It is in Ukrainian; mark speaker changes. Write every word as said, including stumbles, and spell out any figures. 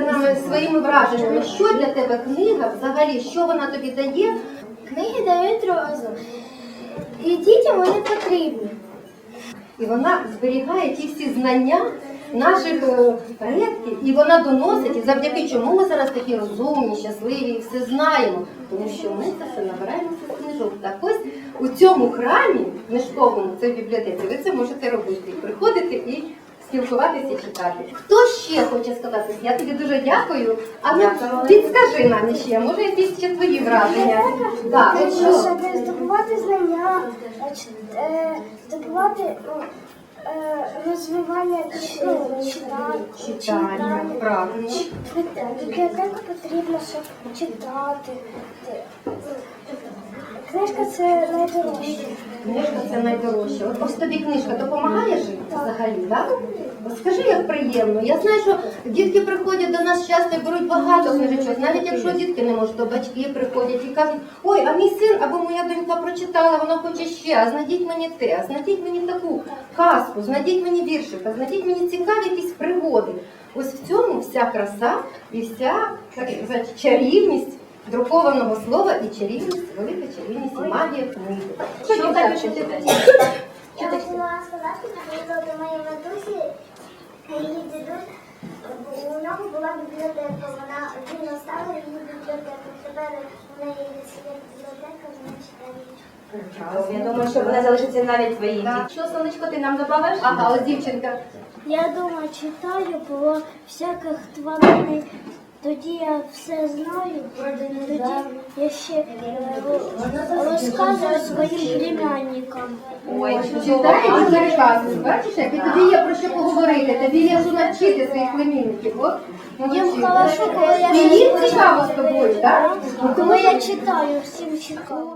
Speaker 1: поділися нами своїми враженнями. Що для тебе книга взагалі? Що вона тобі дає?
Speaker 2: Книги дають розум. І дітям вони потрібні.
Speaker 1: І вона зберігає ті всі знання наших е, предків, і вона доносить, і завдяки чому ми зараз такі розумні, щасливі і все знаємо. Тому що ми це все набираємося з книжок. Так ось у цьому храмі книжковому, це в бібліотеці, ви це можете робити. Приходити і спілкуватися і читати. Хто ще хоче сказати? Я тобі дуже дякую. А ну, підскажи нам ще, може якісь ще твої враження? Так, от що?
Speaker 2: Щоб здобувати знання, е, здобувати ну, е, розвивання ну, читання.
Speaker 1: Читання, правильно.
Speaker 2: Бібліотеку потрібно, щоб читати. Книжка – це найдорожче.
Speaker 1: Книжка – це найдорожче. От ось тобі книжка допомагає жити взагалі, так? От скажи, як приємно. Я знаю, що дітки приходять до нас часто і беруть багато книжечок. Навіть якщо дітки не можуть, то батьки приходять і кажуть: ой, а мій син або моя донька прочитала, вона хоче ще, а знайдіть мені те, а знайдіть мені таку казку, знайдіть мені віршика, знайдіть мені цікаві якісь пригоди. Ось в цьому вся краса і вся, так сказати, чарівність друкованого слова і чарівність, велика чарівність і магія книги. Що ти так читаєш?
Speaker 2: Я хотіла сказати, що до моєї матусі, її дідусь, у нього була бібліотека, вона, він оставив її бібліотеку. Тепер у неї є бібліотека, вона читає.
Speaker 3: Я думаю, що вона залишиться навіть твоїм. Що, сонечко, ти нам добавиш?
Speaker 1: Ага, ось дівчинка.
Speaker 2: Я дома читаю про всяких тварин. Тоді я все знаю, тоді я ще е, розказую своїм племянникам.
Speaker 3: Ой,
Speaker 1: Читаєш і розказуєш, бачиш, як і тобі є про що поговорити, тобі є що навчити своїх племінників. От,
Speaker 2: Їм
Speaker 1: молодці.
Speaker 2: хорошо, коли я
Speaker 1: І їм цікаво з тобою, так?
Speaker 2: коли я читаю, всім цікаво.